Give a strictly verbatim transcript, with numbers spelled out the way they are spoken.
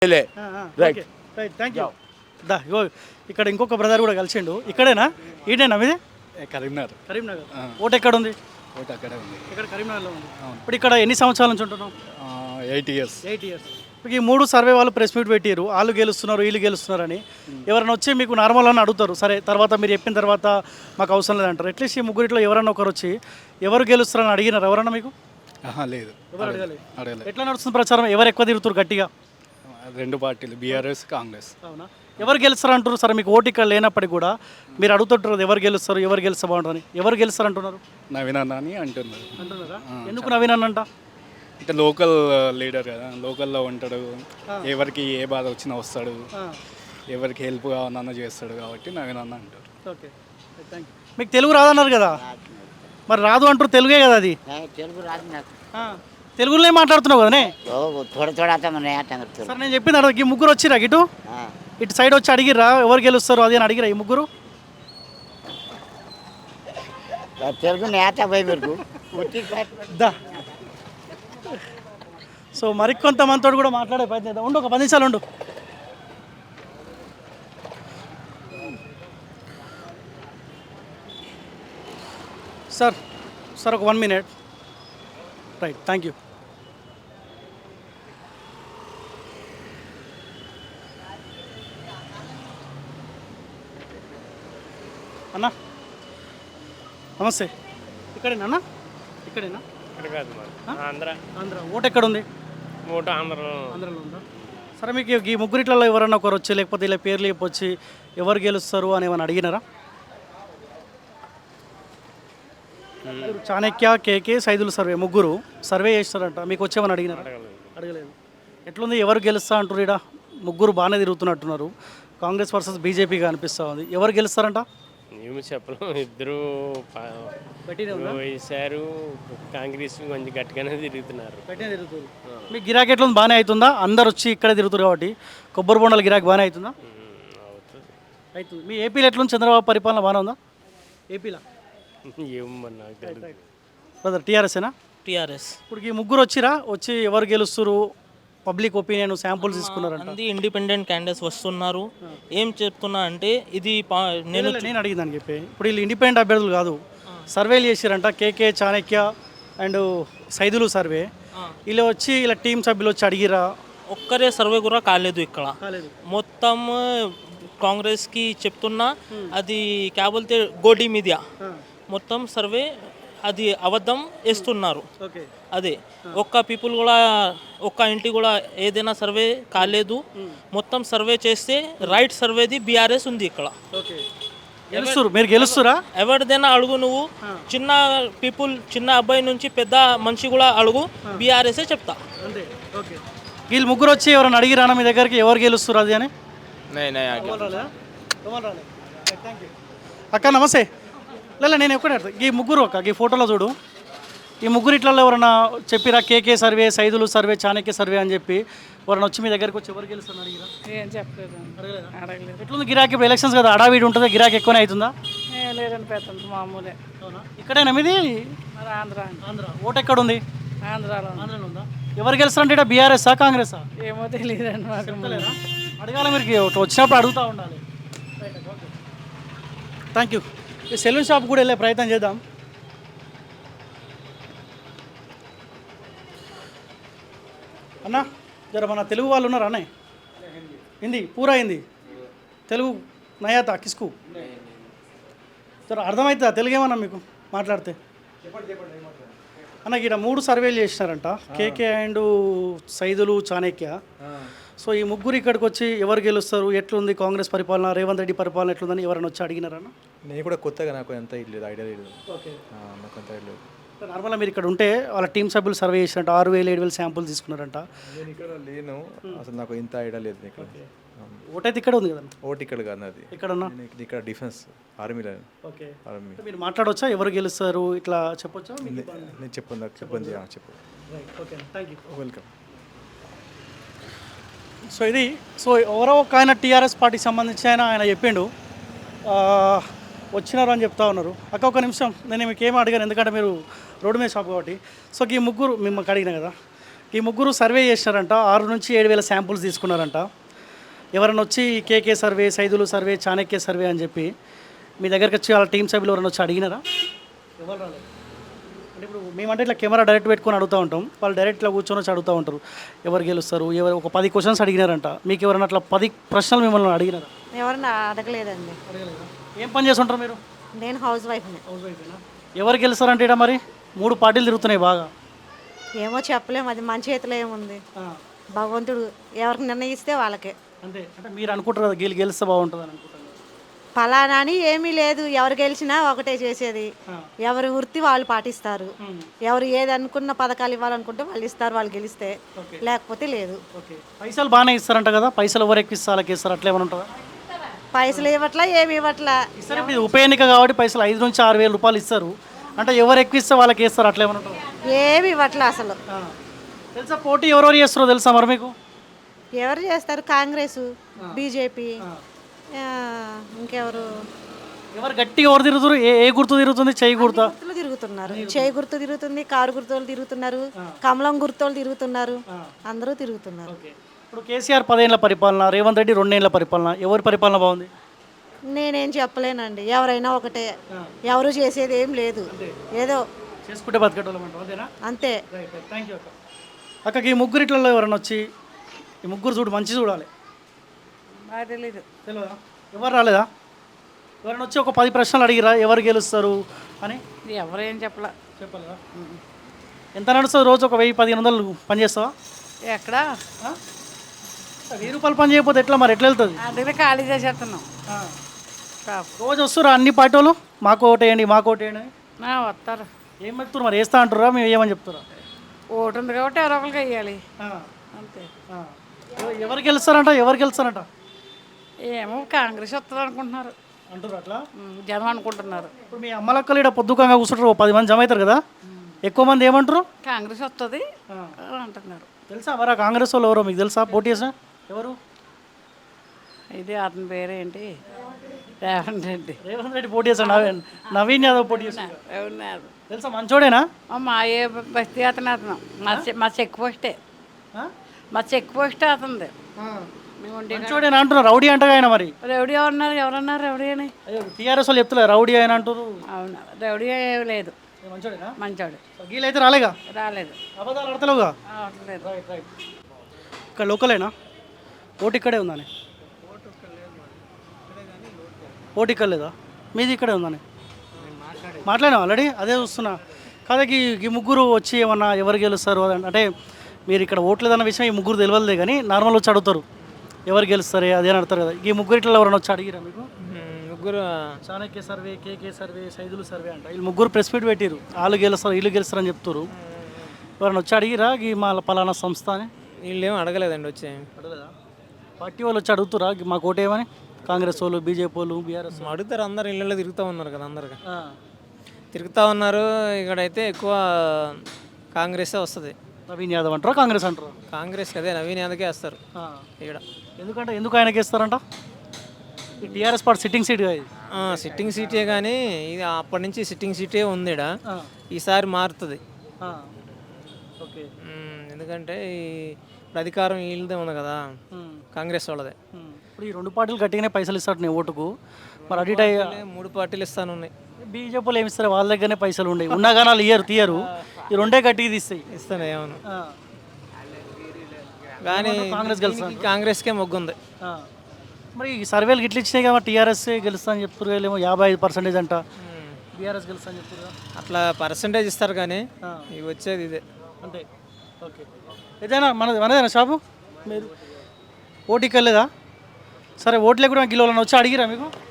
Right right thank you దా ఇగో ఇక్కడ ఇంకొక బ్రదర్ కూడా కలిసిండు. ఇక్కడేనా ఈడేనా మీది? కరీంనగర్. కరీంనగర్. ఓటు ఎక్కడ ఉంది? ఓటు అక్కడే ఉంది. ఇక్కడ కరీంనగర్లో ఉంది. ఇప్పుడు ఇక్కడ ఎన్ని సంవత్సరాల నుంచి ఉంటున్నాం? Eight years. Eight years. ఇప్పుడు ఈ మూడు సర్వే వాళ్ళు ప్రెస్ మీట్ పెట్టారు, వాళ్ళు గెలుస్తున్నారు వీళ్ళు గెలుస్తున్నారు అని. ఎవరైనా వచ్చి మీకు నార్మల్ అని అడుగుతారు, సరే తర్వాత మీరు చెప్పిన తర్వాత మాకు అవసరం లేదంటారు. అట్లీస్ట్ ఈ ముగ్గురిట్లో ఎవరన్నా ఒకరు వచ్చి ఎవరు గెలుస్తారని అడిగినారు ఎవరన్నా మీకు? లేదు, ఎవరు అడగలేదు. అడగలేదు. ఎట్లా నడుస్తుంది ప్రచారం? ఎవరు ఎక్కువ తిరుగుతారు గట్టిగా? రెండు పార్టీలు, బీఆర్ఎస్ కాంగ్రెస్. అవునా? ఎవరు గెలుస్తారు అంటారు? సరే మీకు ఓటు ఇక్కడ లేనప్పటికీ కూడా మీరు అడుగుతుంటారు ఎవరు గెలుస్తారు ఎవరు గెలిస్తే బాగుంటుందని. ఎవరు గెలుస్తారు అంటున్నారు? నవీన్ అన్న అని అంటున్నారు. అంటున్నారా? ఎందుకు నవీన్ అన్నంట? అంటే లోకల్ లీడర్ కదా, లోకల్లో ఉంటాడు, ఎవరికి ఏ బాధ వచ్చినా వస్తాడు, ఎవరికి హెల్ప్ కావాలన్నా చేస్తాడు కాబట్టి నవీన్ అన్న అంటారు. Okay thank you. మీకు తెలుగు రాదన్నారు కదా, మరి రాదు అంటారు, తెలుగే కదా అది. తెలుగు రాదు నాకు. తెలుగులోనే మాట్లాడుతున్నావు కదనే? थोड़ा थोड़ा आता मैंने आता करते సార్ నేను చెప్పింది అడగ. ఈ ముగ్గురు వచ్చిరా ఇటు ఇటు సైడ్ వచ్చి అడిగిర్రా ఎవరు గెలుస్తారు అది అని అడిగిరా ఈ ముగ్గురు? తెలుగు नहीं आता भाई मेरे को దా సో మరికొంతమందితో కూడా మాట్లాడే ప్రయత్నం చేద్దాం. ఉండు ఒక పది నిమిషాలు ఉండు. సార్ సార్ ఒక one minute. Right thank you. అన్నా నమస్తే. ఇక్కడేనా అన్న? ఇక్కడేనా? ఇక్కడ కాదు మరి ఆంధ్ర. ఆంధ్ర. ఓటు ఎక్కడ ఉంది? ఓటు ఆంధ్రలో. ఆంధ్రలో ఉందా? సరే మీకు ఈ ముగ్గురిట్లలో ఎవరన్నా ఒకరు వచ్చి లేకపోతే ఇలా పేర్లు చెప్పొచ్చి ఎవరు గెలుస్తారు అని ఏమైనా అడిగినారా? చాణక్య, కేకే, సైదులు సర్వే ముగ్గురు సర్వే చేస్తారంట, మీకు వచ్చేమని అడిగినారా? అడగలేదు. ఎట్లుంది ఎవరు గెలుస్తా అంటారు? ఇక్కడ ముగ్గురు బాగానే తిరుగుతున్నట్టున్నారు. కాంగ్రెస్ వర్సెస్ బీజేపీగా అనిపిస్తూ ఉంది. ఎవరు గెలుస్తారంట? ఏమి చెప్పలేం, ఇద్దరు వేసారు. కాంగ్రెస్ కొంచెం గట్టిగానే తిరుగుతున్నారు. తిరుగుతుంది. మీ గిరాకీ ఎట్లుంది? బాగానే అవుతుందా? అందరు వచ్చి ఇక్కడే తిరుగుతారు కాబట్టి కొబ్బరి బొండాల గిరాకీ బాగానే అవుతుందా? అవుతుంది. అవుతుంది. మీ ఏపీలో ఎట్లుంది? చంద్రబాబు పరిపాలన బాగానే ఉందా ఏపీలో? ఏమన్నా నాకు తెలియదు. బ్రదర్ టీఆర్ఎస్ఏనా? టీఆర్ఎస్. ఇప్పుడు ఈ ముగ్గురు వచ్చిరా, వచ్చి ఎవరు గెలుస్తారు పబ్లిక్ ఒపీనియన్ శాంపుల్స్ తీసుకున్నారంట. మంది ఇండిపెండెంట్ క్యాండిడేట్స్ వస్తున్నారు. ఏం చెప్తున్నా అంటే ఇది నేను నేను అడిగిందని చెప్పి ఇప్పుడు వీళ్ళు ఇండిపెండెంట్ అభ్యర్థులు కాదు, సర్వేలు చేసిరంట. KK, Chanakya and Saidulu survey. వీళ్ళు వచ్చి ఇలా టీం సభ్యులు వచ్చి అడిగిరా? ఒక్కరే సర్వే కూడా కాలేదు ఇక్కడ. కాలేదు. మొత్తం కాంగ్రెస్కి చెప్తున్నా అది క్యాబుల్తే గోడి మీడియా మొత్తం సర్వే అది అబద్ధం వేస్తున్నారు. ఓకే. అదే ఒక్క పీపుల్ కూడా ఒక్క ఇంటి కూడా ఏదైనా సర్వే కాలేదు. మొత్తం సర్వే చేస్తే రైట్ సర్వేది బీఆర్ఎస్ ఉంది ఇక్కడ. ఓకే. గెలుస్తారు మీరు గెలుస్తారా? ఎవరిదైనా అడుగు, నువ్వు చిన్న పీపుల్ చిన్న అబ్బాయి నుంచి పెద్ద మనిషి కూడా అడుగు, బీఆర్ఎస్ఏ చెప్తా. అంతే. ఓకే. వీళ్ళు ముగ్గురు వచ్చి ఎవరైనా అడిగిరానా మీ దగ్గరికి ఎవరు గెలుస్తారు అది అని? అక్క నమస్తే. లేదా నేను ఎక్కడ ఈ ముగ్గురు అక్క ఈ ఫోటోలో చూడు, ఈ ముగ్గురు ఇట్లలో ఎవరన్నా చెప్పిరా? KK survey, Saidulu survey, Chanakya survey అని చెప్పి ఎవరైనా వచ్చి మీ దగ్గరికి వచ్చి ఎవరు గెలుస్తారు అడిగిరా? ఏం చెప్పలేదు. అడగలేదు. ఎట్లుంది గిరాకీ? ఇప్పుడు ఎలక్షన్స్ కదా, అడావిడి ఉంటుంది, గిరాకీ ఎక్కువనే అవుతుందా? లేదని పెద్ద మామూలే. ఇక్కడేనా మీది? మరి ఆంధ్ర. ఆంధ్ర. ఓటు ఎక్కడ ఉంది? ఆంధ్రాలో. ఆంధ్రలో ఉందా? ఎవరు గెలుస్తారంటే ఇక్కడ బీఆర్ఎస్ఆ కాంగ్రెసా? ఏమో తెలియదండి మాకు. అడగాలి మీరు, వచ్చినప్పుడు అడుగుతూ ఉండాలి. Thank you. ఈ సెలూన్ షాప్ కూడా వెళ్ళే ప్రయత్నం చేద్దాం. అన్నా జర మన తెలుగు వాళ్ళు ఉన్నారా అన్నయ్య? హిందీ పూరా హిందీ తెలుగు నయాతా కిస్కు జర అర్థమవుతుందా తెలుగు ఏమన్నా మీకు మాట్లాడితే? అన్న ఇక్కడ మూడు సర్వేలు చేసినారంట, KK and Saidulu, Chanakya. So ఈ ముగ్గురు ఇక్కడికి వచ్చి ఎవరు గెలుస్తారు, ఎట్లుంది కాంగ్రెస్ పరిపాలన, రేవంత్ రెడ్డి పరిపాలన ఎట్లుందని ఎవరైనా వచ్చి అడిగినారన్న? నేను కూడా కొత్తగా నాకు ఎంత లేదు ఐడియా లేదు. ఓకే. నాకు అంత ఐడియా లేదు. నార్మల్గా మీరు ఇక్కడ ఉంటే వాళ్ళ టీం సభ్యులు సర్వే చేసినట్ట ఆరు వేలు ఏడు వేలు శాంపుల్ తీసుకున్నారంట. నేను ఇక్కడ లేను అసలు, నాకు ఇంత ఐడియా లేదు. ఇక్కడ ఓటు అయితే ఇక్కడ ఉంది కదా? ఓటు ఇక్కడ కాదు అది. ఇక్కడ ఉన్నా ఇక్కడ డిఫెన్స్ ఆర్మీలో. ఓకే. ఆర్మీ. మీరు మాట్లాడవచ్చా ఎవరు గెలుస్తారు ఇట్లా చెప్పొచ్చా? నేను చెప్పండి, నాకు చెప్పండి. చెప్పు. Okay thank you. Welcome. So ఇది సో ఎవరో ఒక ఆయన టీఆర్ఎస్ పార్టీకి సంబంధించి ఆయన ఆయన చెప్పిండు వచ్చినారు అని చెప్తా ఉన్నారు. అక్క ఒక నిమిషం, నేను మీకు ఏమీ అడిగాను ఎందుకంటే మీరు రోడ్డు మీద షాప్ కాబట్టి. సో ఈ ముగ్గురు మిమ్మల్ని అడిగినా కదా, ఈ ముగ్గురు సర్వే చేసినారంట, ఆరు నుంచి ఏడు వేల శాంపుల్స్ తీసుకున్నారంట. ఎవరైనా వచ్చి KK survey, Saidulu survey, Chanakya survey అని చెప్పి మీ దగ్గరికి వచ్చి వాళ్ళ టీం సభ్యులు ఎవరైనా వచ్చి అడిగినారా? ఎవరు రాలేదు. అంటే ఇప్పుడు మేమంటే ఇట్లా కెమెరా డైరెక్ట్ పెట్టుకొని అడుగుతూ ఉంటాం, వాళ్ళు డైరెక్ట్ ఇట్లా కూర్చొని వచ్చి అడుగుతూ ఉంటారు ఎవరు గెలుస్తారు, ఎవరు ఒక పది క్వశ్చన్స్ అడిగినారంట. మీకు ఎవరైనా అట్లా పది ప్రశ్నలు మిమ్మల్ని అడిగినారా? ఎవరన్నా అడగలేదండి. అడగలేదా? ఏం పని చేస్తుంటారు మీరు? నేను హౌస్ వైఫ్ని. హౌస్ వైఫేనా? ఎవరు గెలుస్తారంటే ఇక్కడ మరి మూడు పార్టీలు తిరుగుతున్నాయి బాగా. ఏమో చెప్పలేము, అది మన చేతిలో ఏముంది. భగవంతుడు ఎవరికి నిర్ణయిస్తే వాళ్ళకే. అంతే. అంటే మీరు అనుకుంటారు కదా గెలి గెలిస్తే బాగుంటుంది అని అనుకుంటారు. ఫలానా అని ఏమీ లేదు, ఎవరు గెలిచినా ఒకటే చేసేది. ఎవరి వృత్తి వాళ్ళు పాటిస్తారు. ఎవరు ఏది అనుకున్న పథకాలు ఇవ్వాలనుకుంటే వాళ్ళు ఇస్తారు, వాళ్ళు గెలిస్తే. లేకపోతే లేదు. ఓకే. పైసలు బాగానే ఇస్తారంట కదా, పైసలు ఎవరు ఎక్కువ ఇస్తారు వాళ్ళకి ఇస్తారు, అట్లా ఏమైనా ఉంటుందా? పైసలు ఇవ్వట్లా, ఏమి ఇవ్వట్లా. ఇస్తారు. ఇప్పుడు ఇది ఉప ఎన్నిక కాబట్టి పైసలు ఐదు నుంచి ఆరు వేల రూపాయలు ఇస్తారు. అంటే ఎవరు ఎక్కువ ఇస్తే వాళ్ళకి ఇస్తారు, అట్లా ఏమైనా ఉంటుందా? ఏమి ఇవ్వట్లా అసలు. తెలుసా పోటీ ఎవరెవరు చేస్తారో తెలుసా మరి మీకు? ఎవరు చేస్తారు? కాంగ్రెస్, బీజేపీ, ఇంకెవరు? ఎవరు గట్టిగా ఎవరు తిరుగుతారు? ఏ ఏ గుర్తు తిరుగుతుంది? చెయ్యి గుర్తా? గుర్తులు తిరుగుతున్నారు. చేయి గుర్తు తిరుగుతుంది, కారు గుర్తులు తిరుగుతున్నారు, కమలం గుర్తులు తిరుగుతున్నారు, అందరూ తిరుగుతున్నారు. ఇప్పుడు కేసీఆర్ పదేళ్ల పరిపాలన, రేవంత్ రెడ్డి రెండేళ్ల పరిపాలన, ఎవరి పరిపాలన బాగుంది? నేనేం చెప్పలేనండి, ఎవరైనా ఒకటే. ఎవరు చేసేది ఏం లేదు, ఏదో చేసుకుంటే బతకటోళ్ళం అంటారు, అంతేనా? అంతే. థ్యాంక్ యూ అక్క. అక్కకి ఈ ముగ్గురిట్లలో ఎవరైనా వచ్చి ఈ ముగ్గురు చూడు మంచి చూడాలి, తెలీదు. తెలియదా? ఎవరు రాలేదా? ఎవరైనా వచ్చి ఒక పది ప్రశ్నలు అడిగిరా ఎవరు గెలుస్తారు అని? ఎవరేం చెప్పలా. చెప్పాలా? ఎంత నడుస్తుంది రోజు? ఒక వెయ్యి పదిహేను వందలు పని చేస్తావా? ఎక్కడ వెయ్యి రూపాయలు పని చేయకపోతే ఎట్లా మరి, ఎట్లా వెళ్తుంది? అందుకే ఖాళీ చేసేస్తున్నాం. రోజు వస్తురా అన్ని పార్టీ వాళ్ళు, మాకు ఓటేయండి మాకు ఓటేయండి అని? వస్తారు. ఏం చెప్తున్నారు మరి, వేస్తా అంటారా మేము ఏమని చెప్తారా? ఓటు ఉంది కాబట్టి ఎవరో ఒకరికి వెయ్యాలి, అంతే. ఎవరు గెలుస్తారంట? ఎవరు గెలుస్తారంట? ఏమో కాంగ్రెస్ వస్తుంది అనుకుంటున్నారు, అంటారు అట్లా జనం అనుకుంటున్నారు. ఇప్పుడు మీ అమ్మలక్కలు ఇక్కడ పొద్దుకంగా కూర్చుంటారు, ఓ పది మంది జమ అవుతారు కదా, ఎక్కువ మంది ఏమంటారు? కాంగ్రెస్ వస్తుంది అంటున్నారు. తెలుసా మరి ఆ కాంగ్రెస్ వాళ్ళు ఎవరో మీకు తెలుసా? పోటీ చేసా ఎవరు? ఇది అతని పేరేంటి? రేవంత్ రెడ్డి. రేవంత్ రెడ్డి పోటీ చేశాడు, నవీన్ నవీన్ యాదవ్ పోటీ చేశాడు. ఉన్నారు. తెలుసా మంచోడేనా? మా ఏ బస్తీ అతను అతను మా చె- మా చెక్ పోస్టే, మా చెక్ పోస్టే అతనిది. మేము ఉండే మంచోడేనా అంటున్నారు, రౌడీ అంటగా ఆయన మరి. రౌడీ ఎవరన్నారు? ఎవరన్నారు రౌడీ అని? అయ్యో టీఆర్ఎస్ వాళ్ళు చెప్తలే రౌడీ ఆయన అంటారు. అవును, రౌడీ ఏం లేదు, మంచోడేనా? మంచోడు. గీలైతే రాలేగా, రాలేదు, అబద్ధాలు ఆడతలేవుగా. రావట్లేదు. Right right. ఇక్కడ లోకలేనా? ఓటు ఇక్కడే ఉందని? ఓటు ఇక్కడ లేదా? మీది ఇక్కడే ఉందని మాట్లాడినా ఆల్రెడీ, అదే చూస్తున్నా. కాదా ఈ ఈ ముగ్గురు వచ్చి ఏమన్నా ఎవరు గెలుస్తారు అని అంటే మీరు ఇక్కడ ఓట్లేదన్న విషయం ఈ ముగ్గురు తెలియదే, కానీ నార్మల్ వచ్చి అడుగుతారు ఎవరు గెలుస్తారే అదే అని అడుగుతారు కదా. ఈ ముగ్గురు ఇట్లా ఎవరైనా వచ్చి అడిగిరా మీకు? ముగ్గురు Chanakya survey, KK survey, Saidulu survey అంట, వీళ్ళు ముగ్గురు ప్రెస్ మీట్ పెట్టిరు, వాళ్ళు గెలుస్తారు వీళ్ళు గెలుస్తారు అని చెప్తారు. ఎవరైనా వచ్చి అడిగిరా ఈ మా పలానా సంస్థ అని? వీళ్ళు ఏమో అడగలేదండి, వచ్చి అడగలేదా? పార్టీ వాళ్ళు వచ్చి అడుగుతురా మాకు ఓటేమని? కాంగ్రెస్ వాళ్ళు, బీజేపీ వాళ్ళు, బీఆర్ఎస్? అడుగుతారు, అందరు ఇళ్ళలో తిరుగుతూ ఉన్నారు కదా, అందరికి తిరుగుతూ ఉన్నారు. ఇక్కడైతే ఎక్కువ కాంగ్రెసే వస్తుంది. నవీన్ యాదవ్ అంటారా కాంగ్రెస్ అంటారా? కాంగ్రెస్ అదే నవీన్ యాదవ్కే వేస్తారు ఇక్కడ. ఎందుకంటే ఎందుకు ఆయనకి ఇస్తారంట? ఈ టీఆర్ఎస్ పార్టీ సిట్టింగ్ సీట్ ఇది. సిట్టింగ్ సీటే, కానీ ఇది అప్పటి నుంచి సిట్టింగ్ సీటే ఉంది ఈడ. ఈసారి మారుతుంది. ఓకే. ఎందుకంటే ఈ ఇప్పుడు అధికారం వీళ్ళదే ఉంది కదా, కాంగ్రెస్ వాళ్ళదే. ఇప్పుడు ఈ రెండు పార్టీలు గట్టిగానే పైసలు ఇస్తాడు నీ ఓటుకు, మరి అడిట్ అయ్యి మూడు పార్టీలు ఇస్తాను ఉన్నాయి. బీజేపీలు ఏమి ఇస్తారు? వాళ్ళ దగ్గరనే పైసలు ఉన్నాయి, ఉన్నా కానీ వాళ్ళు ఇయ్యరు, తీయరు. ఈ రెండే గట్టిగా తీస్తాయి. ఇస్తాను ఏమను, కానీ కాంగ్రెస్ గెలుస్తుంది. కాంగ్రెస్కే మొగ్గుంది. మరి ఈ సర్వేలు గిట్ల ఇచ్చినాయి కదా, టీఆర్ఎస్ గెలుస్తా అని చెప్తారు, ఏమో యాభై ఐదు పర్సెంటేజ్ అంట, బీఆర్ఎస్ గెలుస్తా అని చెప్తారు. అట్లా పర్సంటేజ్ ఇస్తారు, కానీ ఇవి వచ్చేది ఇదే అంతే. ఓకే. ఏదైనా మనది మనదేనా షాపు? మీరు ఓటుకి వెళ్ళలేదా? సరే ఓట్లే కూడా కిలోలను వచ్చి అడిగిరా మీకు?